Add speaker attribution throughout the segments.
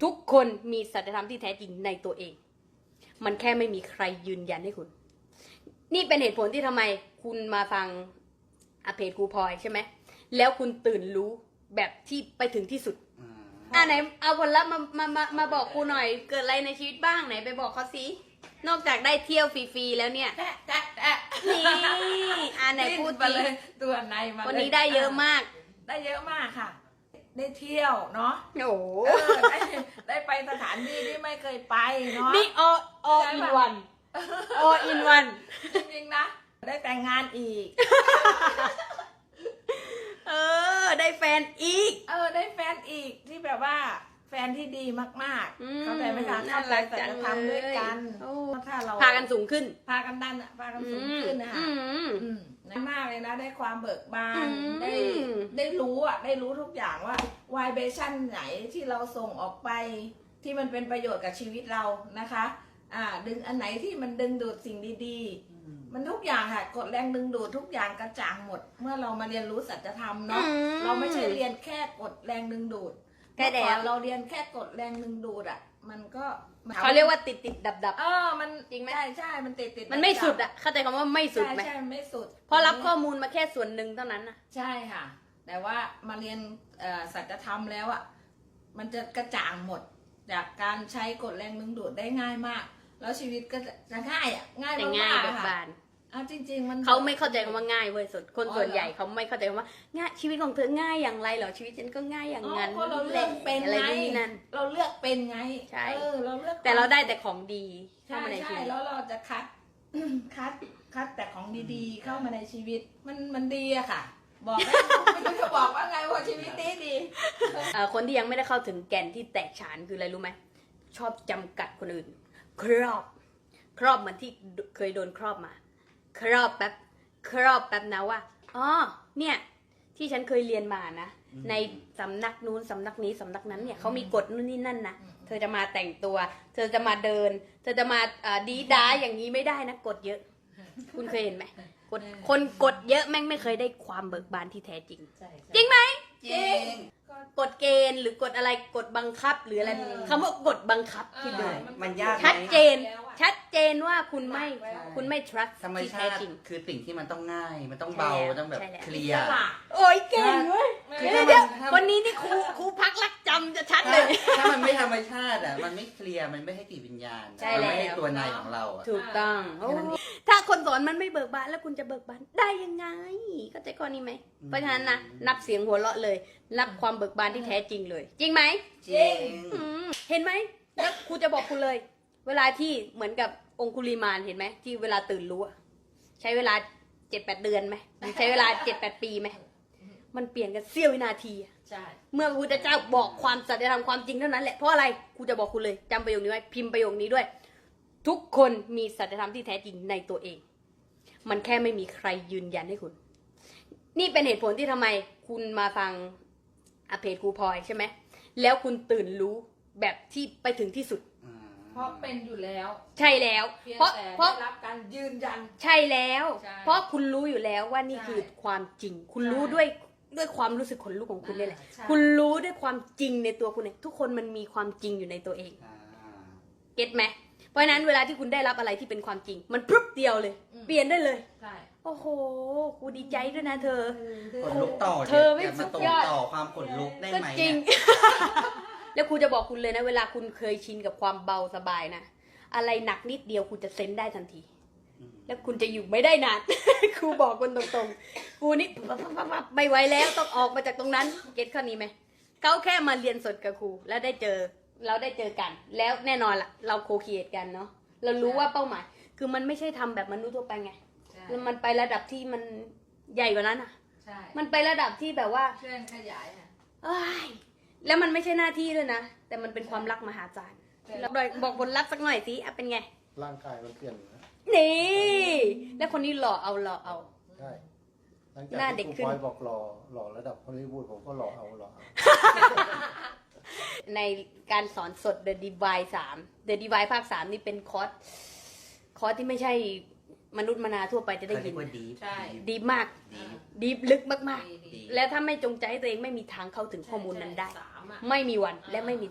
Speaker 1: ทุกคนมีสัจธรรมที่แท้จริงในตัวเองมันแค่ไม่มีใครยืนยันให้คุณนี่เป็นเหตุผลที่ทำไมคุณมาฟังเพจครูพลอยใช่ไหมแล้วคุณตื่นรู้แบบที่ไปถึงที่สุดไหนเอาผลลัพธ์มาบอกครูหน่อยเกิดอะไรในชีวิตบ้างไหนไปบอกเขาสินอกจากได้เที่ยวฟรีๆแล้วเนี่ยนี่ไหนพูดไปเลย
Speaker 2: ตัวในมา
Speaker 1: วันนี้ได้เยอะมาก
Speaker 2: ได้เยอะมากค่ะได้เที่ยวเนาะ
Speaker 1: โอ้
Speaker 2: ได้ไปสถานที่ที่ไม่เคยไปเนาะ
Speaker 1: นี่all in one all in one
Speaker 2: จริงๆนะได้แต่งงานอีก
Speaker 1: ได้แฟนอีก
Speaker 2: ได้แฟนอีกที่แบบว่าแฟนที่ดีมากๆเข้าใจไหมคะเข้าใจแต่จะทำด้วยกันถ้าเรา
Speaker 1: พากันสูงขึ้น
Speaker 2: พากันดันพากันสูงขึ้นนะคะมากเลยนะได้ความเบิกบานได้รู้ได้รู้ทุกอย่างว่าวายเบชั่นไหนที่เราส่งออกไปที่มันเป็นประโยชน์กับชีวิตเรานะคะดึงอันไหนที่มันดึงดูดสิ่งดีๆมันทุกอย่างค่ะกฎแรงดึงดูดทุกอย่างกระจ่างหมดเมื่อเรามาเรียนรู้สัจธรรมเนาะเราไม่ใช่เรียนแค่กฎแรงดึงดูด
Speaker 1: แค่
Speaker 2: เราเรียนแค่กฎแรงดึงดูดมันก็
Speaker 1: เขาเรียกว่าติดดับ
Speaker 2: มัน
Speaker 1: จริงไหม
Speaker 2: ใช่มันติด
Speaker 1: มันไม่สุดเข้าใจคำว่าไม่สุดไหม
Speaker 2: ใช่ไม่สุด
Speaker 1: เพราะรับข้อมูลมาแค่ส่วนหนึ่งเท่านั้นนะ
Speaker 2: ใช่ค่ะแต่ว่ามาเรียนสัจธรรมแล้วมันจะกระจ่างหมดจากการใช้กฎแรงดึงดูดได้ง่ายมากแล้วชีวิตก็จะง่ายง่ายมากๆค่ะจริงๆมัน
Speaker 1: เขาไม่เข้าใจคำว่าง่ายเว้ยคนส่วนใหญ่เขาไม่เข้าใจคำว่าง่ายชีวิตของเธอง่ายอย่างไรเหรอชีวิตฉันก็ง่ายอย่างนั้น
Speaker 2: เพราะเราเลือกเป็น
Speaker 1: อะไร
Speaker 2: ไง
Speaker 1: นั่น
Speaker 2: เราเลือกเป็นไง
Speaker 1: ใช่
Speaker 2: เราเลือก
Speaker 1: แต่เราได้แต่ของดีเข้ามาในชีวิต
Speaker 2: แล้วเราจะคัดแต่ของดีๆเข้ามาในชีวิตมันดีอะค่ะบอกไม่รู้จะบอกว่าไงว่าชีวิตดี
Speaker 1: คนที่ยังไม่ได้เข้าถึงแก่นที่แตกฉานคืออะไรรู้ไหมชอบจำกัดคนอื่นครอบเหมือนที่เคยโดนครอบมาครอบแป๊บนะว่าเนี่ยที่ฉันเคยเรียนมานะในสำนักนู้นสำนักนี้สำนักนั้นเนี่ยเขามีกฎนู่นนี่นั่นนะเธอจะมาแต่งตัวเธอจะมาเดินเธอจะมาดีด้าอย่างนี้ไม่ได้นะกฎเยอะคุณเคยเห็นไหมคนกฎเยอะแม่งไม่เคยได้ความเบิกบานที่แท้จริงจริงไหม
Speaker 2: จริง
Speaker 1: กฎเกณฑ์หรือกฎอะไรกฎบังคับหรืออะไรคำว่ากฎบังคับคิดดู
Speaker 3: มันยาก
Speaker 1: ชัดเจนว่าคุณไม่ trust
Speaker 3: ธรรมชาติคือสิ่งที่มันต้องง่ายมันต้องเบาต้องแบบเคลียร์
Speaker 1: โอ้ยเก่งเว้ยเดี๋ยววันนี้นี่ครูพักรักจำจะชัดเลย
Speaker 3: ถ้ามันไม่ธรรมชาติมันไม่เคลียร์มันไม่ให้จิตวิญญาณมันไม่ให้ตัวในของเรา
Speaker 1: ถูกต้องถ้าคนสอนมันไม่เบิกบานแล้วคุณจะเบิกบานได้ยังไงเข้าใจข้อนี้ไหมเพราะฉะนั้นนะนับเสียงหัวเราะเลยนับความเบิกบานที่แท้จริงเลยจริงไหม
Speaker 3: จริง
Speaker 1: เห็นไหมแล้วครูจะบอกคุณเลยเวลาที่เหมือนกับองคุลิมานเห็นไหมที่เวลาตื่นรู้ใช้เวลา 7-8 เดือนไหมใช้เวลา 7-8 ปีไหมมันเปลี่ยนกันเสี้ยววินาที
Speaker 2: ใช่
Speaker 1: เมื่อพระพุทธเจ้าบอกความสัจธรรมความจริงเท่านั้นแหละเพราะอะไรครูจะบอกคุณเลยจำประโยคนี้ไว้พิมพ์ประโยคนี้ด้วยทุกคนมีสัจธรรมที่แท้จริงในตัวเองมันแค่ไม่มีใครยืนยันให้คุณนี่เป็นเหตุผลที่ทำไมคุณมาฟังเพจครูพลอยใช่ไหมแล้วคุณตื่นรู้แบบที่ไปถึงที่สุด
Speaker 2: เพราะเป็นอยู่แล้ว
Speaker 1: ใช่แล้วเพราะ
Speaker 2: รับการยืนยัน
Speaker 1: ใช่แล้วเพราะคุณรู้อยู่แล้วว่านี่คือความจริงคุณรู้ด้วยความรู้สึกขนลุกของคุณนี่แหละคุณรู้ด้วยความจริงในตัวคุณเองทุกคนมันมีความจริงอยู่ในตัวเองเก็ตไหมเพราะฉะนั้นเวลาที่คุณได้รับอะไรที่เป็นความจริงมันพรึบเดียวเลยเปลี่ยนได้เลยโอ้โหกูดีใจด้วยนะเธอ
Speaker 3: ขนลุกต่อ
Speaker 1: เธอไม่สุดยอด
Speaker 3: ต่อความขนลุกได้ไหม
Speaker 1: จริงแล้วครูจะบอกคุณเลยนะเวลาคุณเคยชินกับความเบาสบายนะอะไรหนักนิดเดียวคุณจะเซนได้ทันทีแล้วคุณจะอยู่ไม่ได้นานครูบอกคุณตรงๆครูนี่ไม่ไหวแล้วต้องออกมาจากตรงนั้นเก็ตข้อนี้ไหมเขาแค่มาเรียนสดกับครูแล้วเราได้เจอกันแล้วแน่นอนล่ะเราโคคิเอทกันเนาะเรารู้ว่าเป้าหมายคือมันไม่ใช่ทำแบบมนุษย์ทั่วไปไงมันไประดับที่มันใหญ่กว่านั้นอ่ะมันไประดับที่แบบว่า
Speaker 2: เคลื่อนขยาย
Speaker 1: แล้วมันไม่ใช่หน้าที่ด้วยนะแต่มันเป็นความรักมหาศาลบอกผลลัพธ์สักหน่อยสิเป็นไง
Speaker 4: ร่างกายมันเปลี่ยน
Speaker 1: นี่แล้วคนนี้หล่อเอา
Speaker 4: ใช่หน้าเด็กขึ้นบอกหล่อระดับฮอลลีวูดผมก็หล่อเอา
Speaker 1: ในการสอนสด The Divine 3 The Divine ภาค 3นี่เป็นคอร์สที่ไม่ใช่มนุษย์มนาทั่วไปจะได้ยินดีมากดีลึกมากๆและถ้าไม่จงใจให้ตัวเองไม่มีทางเข้าถึงข้อมูลนั้นได้ไม่มีวันและไม่มีทาง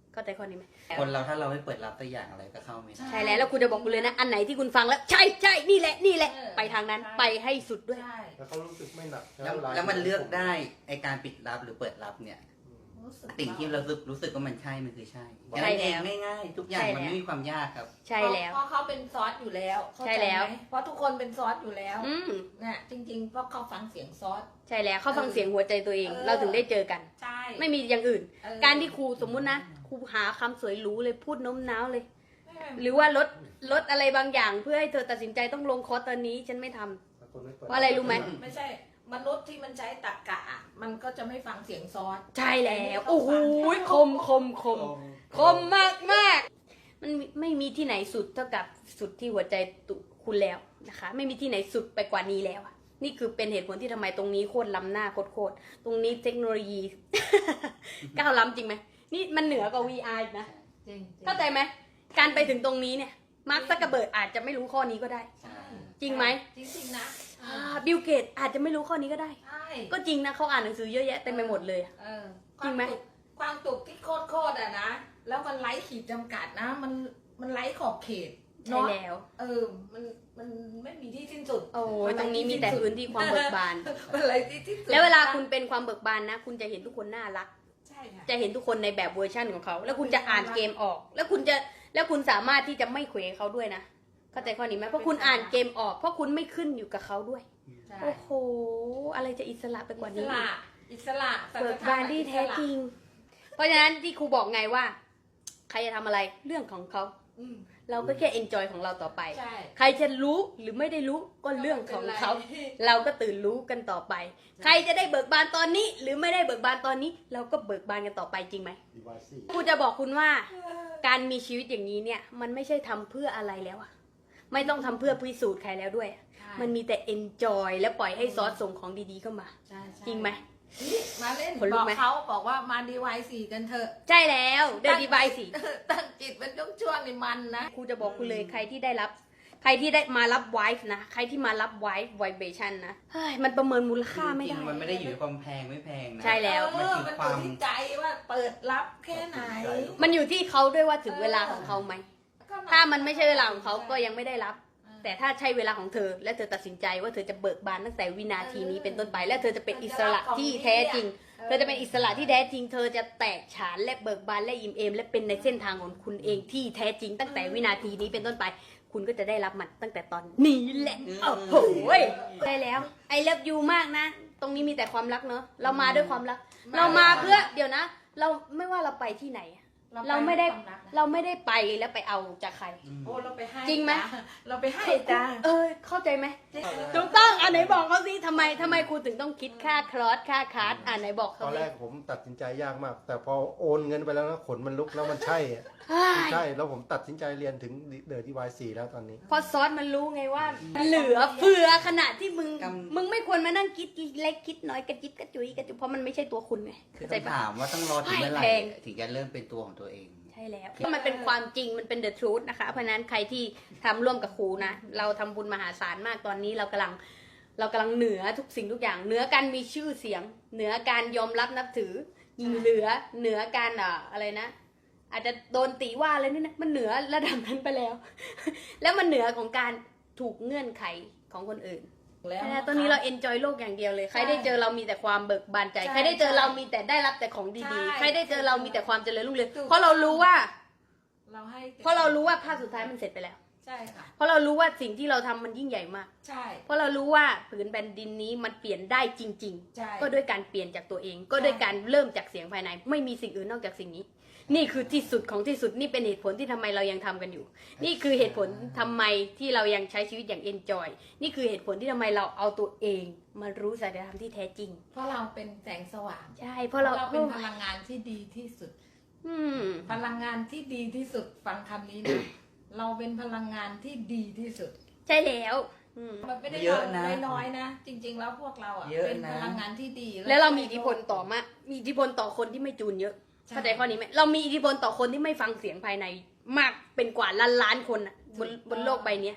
Speaker 1: เข้าใจข้อนี้ไหม
Speaker 3: คนเราถ้าเราไม่เปิดรับตัวอย่างอะไรก็เข้าไม่ได้
Speaker 1: ใช่แล้วคุณจะบอกคุณเลยนะอันไหนที่คุณฟังแล้วใช่ใช่นี่แหละนี่แหละ ไปทางนั้นไปให้สุดด้วย
Speaker 2: ใช่
Speaker 4: แล้วเขารู้สึกไม่หนัก
Speaker 3: แล้วมันเลือกได้ไอการปิดรับหรือเปิดรับเนี่ย
Speaker 2: รู้สึก
Speaker 3: สิ่งที่เรารู้สึกว่ามันใช่มันคือใช่
Speaker 1: ใช่แล้ว
Speaker 3: ง่ายๆทุกอย่างมันไม่มีความยากครับ
Speaker 1: ใช่แล้ว
Speaker 2: เพราะเขาเป็นซอสอยู่แล้วเข้า
Speaker 1: ใช่
Speaker 2: ใจ
Speaker 1: แล้ว
Speaker 2: ไหมเพราะทุกคนเป็นซอสอยู่แล้ว
Speaker 1: อืม
Speaker 2: นะจริงๆเพราะเขาฟังเสียงซอส
Speaker 1: ใช่แล้วเขาฟังเสียงหัวใจตัวเอง เราถึงได้เจอกัน
Speaker 2: ใช่
Speaker 1: ไม่มีอย่างอื่น
Speaker 2: เออ
Speaker 1: การที่ครูสมมุตินะครูหาคำสวยหรูเลยพูดโน้มน้าวเลย
Speaker 2: ไม่
Speaker 1: หรือว่าลดอะไรบางอย่างเพื่อให้เธอตัดสินใจต้องลงคอร์สตอนนี้ฉันไม่ทำ เพราะอะไรรู้ไหม
Speaker 2: ไม่ใช่มนุษย์ที่มันใช้ตรรกะอะมันก็จะไม่ฟังเสียงซอส
Speaker 1: ใช่แล้วโอ้โหคมมากมากมันไม่มีที่ไหนสุดเท่ากับสุดที่หัวใจคุณแล้วนะคะ ไม่มีที่ไหนสุดไปกว่านี้แล้วอะนี่คือเป็นเหตุผลที่ทำไมตรงนี้โคตรล้ำหน้าโคตรตรงนี้เทคโนโลยี ก้าวล้ำจริงไหมนี่มันเหนือกว่า VR อีกนะ
Speaker 2: จริง
Speaker 1: เข้าใจไหมการไปถึงตรงนี้เนี่ยมาร์คซักเกอร์เบิร์กอาจจะไม่รู้ข้อนี้ก็ได้
Speaker 2: ใช่
Speaker 1: จริงไหม
Speaker 2: จริงๆนะ
Speaker 1: บิลเกตอาจจะไม่รู้ข้อนี้ก็ได้
Speaker 2: ใช่
Speaker 1: ก็จริงนะเขาอ่านหนังสือเยอะแยะเต็มไปหมดเลยอะ
Speaker 2: เออ
Speaker 1: จริงไหม
Speaker 2: ความตุกที่โคตรอะนะแล้วมันไร้ขีดจำกัดนะ มันไร้ขอบเขต
Speaker 1: ใช่
Speaker 2: เนาะ
Speaker 1: แล้ว
Speaker 2: มันไม่มีที่สิ้นสุด
Speaker 1: โอ้ยตรงนี้มีแต่พื้นที่ความเบิกบาน
Speaker 2: มันไร้ที่สิ้นสุด
Speaker 1: แล้วเวลาคุณเป็นความเบิกบานนะ คุณจะเห็นทุกคนน่ารัก
Speaker 2: ใช่ค่ะ
Speaker 1: จะเห็นทุกคนในแบบเวอร์ชั่นของเขา แล้วคุณจะอ่านเกมออก แล้วคุณสามารถที่จะไม่เขวเขาด้วยนะ เข้าใจข้อนี้ไหมเพราะคุณอ่านเกมออก เพราะคุณไม่ขึ้นอยู่กับเขาด้วย
Speaker 2: ใช่
Speaker 1: โอ้โห อะไรจะอิสระไปกว่า
Speaker 2: อิส
Speaker 1: นี้
Speaker 2: ระอิสระสัจ
Speaker 1: เบิก
Speaker 2: ธรรม
Speaker 1: บานที่แท้จริง เพราะฉะนั้นที่ครูบอกไงว่า ใครจะทำอะไรเรื่องของเขา
Speaker 2: อืม
Speaker 1: เราก็แค่ enjoy ของเราต่อไป
Speaker 2: ใช่
Speaker 1: ใครจะรู้หรือไม่ได้รู้ก็เรื่องของเขา เราก็ตื่นรู้กันต่อไป ใครจะได้เบิกบานตอนนี้ หรือไม่ได้เบิกบานตอนนี้ เราก็เบิกบานกันต่อไปจริงไหม
Speaker 4: ดีวายซี่
Speaker 1: ครูจะบอกคุณว่า การมีชีวิตอย่างนี้เนี่ย มันไม่ใช่ทำเพื่ออะไรแล้วอะไม่ต้องทำเพื่อพิสูจน์ใครแล้วด้วยอะมันมีแต่ enjoy และปล่อยให้ซอสส่งของดีๆเข้ามา
Speaker 2: ใช่ใช่
Speaker 1: จริงไหม
Speaker 2: นี่มาเล่น
Speaker 1: ขนลุ
Speaker 2: บ
Speaker 1: ก
Speaker 2: อก
Speaker 1: ไหม
Speaker 2: เขาบอกว่ามาดีวายสี่กันเถอะ
Speaker 1: ใช่แล้วเดินดีบายสิ
Speaker 2: ตั้งจิตเป็นช่วงๆนี่มันนะ
Speaker 1: ครูจะบอกคุณเลยใครที่ได้มารับไวฟ์นะใครที่มารับไวฟ์ไวเบชั่นนะเฮ้ยมันประเมินมูลค่าไม่
Speaker 3: จริ
Speaker 1: ได้
Speaker 3: งๆมันไม่ได้อยู่ที่ความแพงไม่แพงนะ
Speaker 1: ใช่แล้ว
Speaker 3: มันคือ
Speaker 2: มัน
Speaker 3: ควา
Speaker 2: อยู่
Speaker 3: ม
Speaker 2: ที่ใจว่าเปิดรับแค่ไหน
Speaker 1: มันอยู่ที่เขาด้วยว่าถึงเวลาของเขาไหม ถ้ามันไม่ใช่เวลาของเขาก็ยังไม่ได้รับ แต่ถ้าใช่เวลาของเธอ และเธอตัดสินใจว่าเธอจะเบิกบานตั้งแต่วินาทีนี้เป็นต้นไป และเธอจะเป็นอิสระที่แท้จริง เธอจะเป็นอิสระที่แท้จริง เธอจะแตกฉานและเบิกบานและอิ่มเอมและเป็นในเส้นทางของคุณเองที่แท้จริง ตั้งแต่วินาทีนี้เป็นต้นไป คุณก็จะได้รับมันตั้งแต่ตอนนี้แหละโอ้โหได้แล้วไอเลิฟยูมากนะ ตรงนี้มีแต่ความรักเนอะเรามาด้วยความรัก เรามาเพื่อเดี๋ยวนะ เราไม่ว่าเราไปที่ไหน เราไม่ได้ เราไม่ได้ไปแล้วไปเอาจากใคร
Speaker 2: โอ้เราไปให้
Speaker 1: จริงไหม
Speaker 2: จ้ะเราไปให้จ้า
Speaker 1: เข้าใจไหมถูกต้องอันไหนบอกเขาสิทำไมครูถึงต้องคิดค่าคลอสค่าคาร์ดอันไหนบอก
Speaker 4: ต
Speaker 1: เขา
Speaker 4: อน
Speaker 1: สิ
Speaker 4: แรกผมตัดสินใจยากมาก แต่พอโอนเงินไปแล้วนะขนมันลุกแล้วมันใช่อะ
Speaker 1: เฮ้ย
Speaker 4: ใช่แล้วผมตัดสินใจเรียนถึงเดอร์ดีวายสี่แล้วตอนนี้
Speaker 1: พอซอสมันรู้ไงว่า เหลือเฟือขนาดที่มึง
Speaker 3: กำ
Speaker 1: มึงไม่ควรมานั่งคิดเล็กคิดน้อยกระจิบกระจุยเพราะมันไม่ใช่ตัวคุณไง
Speaker 3: คือ
Speaker 1: เข้าใจ
Speaker 3: ต้อง
Speaker 1: ปะ
Speaker 3: ถามว่าต้องรอถึงเมื่อไหร่
Speaker 1: แพง
Speaker 3: ถึงจะเริ่มเป็นตัวของตัวเอง
Speaker 1: ใช่แล้วมันเป็นความจริงมันเป็น the truth นะคะ เพราะฉะนั้นใครที่ทำร่วมกับครูนะ เราทำบุญมหาศาลมากตอนนี้เรากำลังเหนือทุกสิ่งทุกอย่างเหนือการมีชื่อเสียง เหนือการยอมรับนับถือเหนือการอะไรนะ อาจจะโดนติว่าอะไรนี่นะมันเหนือระดับนั้นไปแล้ว แล้วมันเหนือของการถูกเงื่อนไขของคนอื่น
Speaker 2: แล้ว
Speaker 1: ตอนนี้เราเอนจอยโลกอย่างเดียวเลยใครได้เจอเรามีแต่ความเบิกบานใจ
Speaker 2: ใช่
Speaker 1: ใครได้เจอเรามีแต่ได้รับแต่ของ
Speaker 2: ใช่
Speaker 1: ดีๆใครได้เจอเรามีแต่ความเจริญรุ่งเรือง
Speaker 2: ถูก
Speaker 1: เพราะเรารู้ว่า
Speaker 2: เราให้
Speaker 1: เพราะเรารู้ว่าภาพสุดท้ายมันเสร็จไปแล้ว
Speaker 2: ใช่ค่ะ
Speaker 1: เพราะเรารู้ว่าสิ่งที่เราทำมันยิ่งใหญ่มาก
Speaker 2: ใช่
Speaker 1: เพราะเรารู้ว่าผืนแผ่นดินนี้มันเปลี่ยนได้จริง
Speaker 2: ใช่
Speaker 1: ๆ ก็ด้วยการเปลี่ยนจากตัวเอง ก็ด้วยการเริ่มจากเสียงภายใน ไม่มีสิ่งอื่นนอกจากสิ่งนี้ นี่คือที่สุดของที่สุดนี่เป็นเหตุผลที่ทำไมเรายังทำกันอยู่ นี่คือเหตุผลทำไมที่เรายังใช้ชีวิตอย่าง enjoy นี่คือเหตุผลที่ทำไมเราเอาตัวเองมารู้สัจธรรมที่แท้จริง
Speaker 2: เพราะเราเป็นแสงสว่าง
Speaker 1: ใช่เพราะเรา
Speaker 2: เป็นพลังงานที่ดีที่สุด
Speaker 1: อืม
Speaker 2: พลังงานที่ดีที่สุดฟังคำนี้นะ เราเป็นพลังงานที่ดีที่สุด
Speaker 1: ใช่แล้วอืม
Speaker 2: มันไม่ได้
Speaker 3: เยอะนะ
Speaker 2: น้อยๆนะ จริง ๆ แล้วพวกเราอ่ะ
Speaker 3: เยอะนะ
Speaker 2: เป็นพลังงานที่ดี
Speaker 1: แล้วเรามีอิทธิพลต่อมามีอิทธิพลต่อคนที่ไม่จูนเยอะ
Speaker 2: ใช่
Speaker 1: เข้าใจข้อนี้ไหมเรามีอิทธิพลต่อคนที่ไม่ฟังเสียงภายในมากเป็นกว่าล้านคนอะบนโลกใบเนี้ย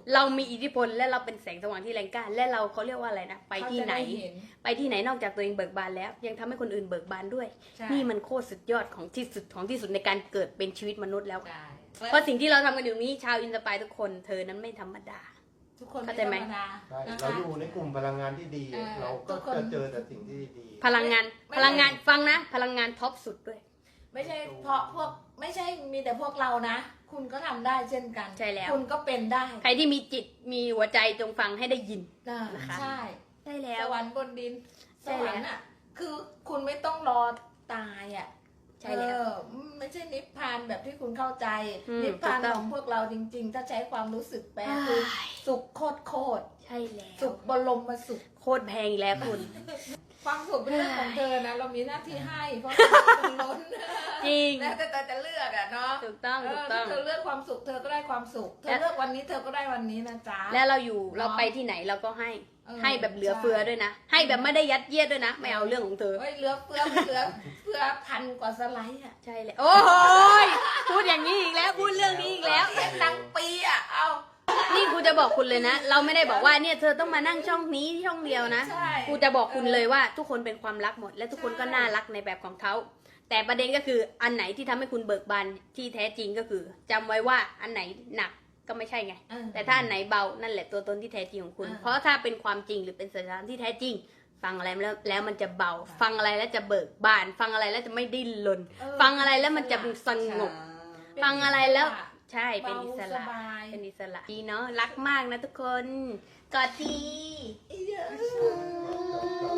Speaker 1: เรามีอิทธิพลและเราเป็นแสงสว่างที่แรงกล้าและเราเขาเรียกว่าอะไรนะไปที่ไหน
Speaker 2: เขาจะด้เ
Speaker 1: ไปที่ไหนนอกจากตัวเองเบิกบานแล้ว ยังทำให้คนอื่นเบิกบานด้วย
Speaker 2: ใช่
Speaker 1: นี่มันโคตรสุดยอดของที่สุดในการเกิดเป็นชีวิตมนุษย์แล้ว
Speaker 2: ใช่
Speaker 1: เพราะสิ่งที่เราทำกันอยู่นี้ชาวอินสปายทุกคนเธอนั้นไม่ธรรมดา
Speaker 2: ทุกคน
Speaker 1: เข้าใจไหม
Speaker 2: ธรรดา
Speaker 4: ใช่
Speaker 2: นะคะ
Speaker 4: เราอยู่ในกลุ่มพลังงานที่ดี เราก็จะเจอแต่สิ่งที่ดี
Speaker 1: พลังงานฟังนะ พลังงานท็อปสุดด้วย
Speaker 2: ไม่ใช่เพราะพวกไม่ใช่มีแต่พวกเรานะ คุณก็ทำได้เช่นกัน
Speaker 1: ใช่แล้ว
Speaker 2: คุณก็เป็นได้
Speaker 1: ใครที่มีจิตมีหัวใจจงฟังให้ได้ยิน นะคะ
Speaker 2: ใช่
Speaker 1: ได้แล้
Speaker 2: ส
Speaker 1: ว
Speaker 2: วรรค์บนดินส
Speaker 1: ใช่
Speaker 2: ว
Speaker 1: แล้ว
Speaker 2: รรค์อ่ะคือคุณไม่ต้องรอตายอ่ะ
Speaker 1: ใช่แล้ว
Speaker 2: ไม่ใช่นิพพานแบบที่คุณเข้าใจ นิพพาน
Speaker 1: ถูกต้
Speaker 2: ข
Speaker 1: อง
Speaker 2: องพวกเราจริง ๆ ถ้าใช้ความรู้สึกแปลคือสุขโคตร
Speaker 1: ใช่แล้
Speaker 2: สุ
Speaker 1: ว
Speaker 2: ขบรมสุข
Speaker 1: โคตรแพงอีกแล้วคุณ
Speaker 2: ความสุขเป็นเรื่องของเธอนะ เรามีหน้าที่ให้เพราะมันล้น
Speaker 1: จริง
Speaker 2: แล้วแต่เธอจะเลือกอะเนาะ
Speaker 1: ถูกต้องถูกต้อง
Speaker 2: ถ้าเธอเลือกความสุขเธอก็ได้ความสุข เธอเลือกวันนี้เธอก็ได้วันนี้นะจ๊ะ
Speaker 1: แล้วเราไปที่ไหนเราก็ให้ ให้แบบเหลือเฟือด้วยนะ ให้แบบไม่ได้ยัดเยียดด้วยนะ ไม่เอาเรื่องของเธอ
Speaker 2: เฮ้ยเหลือเฟือไม่เหลือเฟือพันกว่าสไลด์อะ
Speaker 1: ใช่เลยโอ้โหยพูดอย่างนี้อีกแล้ว พูดเรื่องนี้อีกแล้ว
Speaker 2: เสียงดังปีอะเอา
Speaker 1: นี่กูจะบอกคุณเลยนะ เราไม่ได้บอกว่าเนี่ยเธอต้องมานั่งช่องนี้ช่องเดียวนะ
Speaker 2: ใช่
Speaker 1: กูจะบอกคุณเลยว่าทุกคนเป็นความรักหมด และทุกคนก็น่ารักในแบบของเขา แต่ประเด็นก็คืออันไหนที่ทำให้คุณเบิกบานที่แท้จริงก็คือจำไว้ว่าอันไหนหนักก็ไม่ใช่ไง แต่ถ้าอันไหนเบานั่นแหละตัวตนที่แท้จริงของคุณ เพราะถ้าเป็นความจริงหรือเป็นสัจธรรมที่แท้จริง ฟังอะไรแล้วมันจะเบา ฟังอะไรแล้วจะเบิกบาน ฟังอะไรแล้วจะไม่ดิ้นรนฟังอะไรแล้วมันจะสงบ ฟังอะไรแล้ว ใช่เป็นอิสระ
Speaker 2: เบาสบาย
Speaker 1: เป็นอิสระดีเนาะรักมากนะทุกคนกอดที
Speaker 2: เยอะ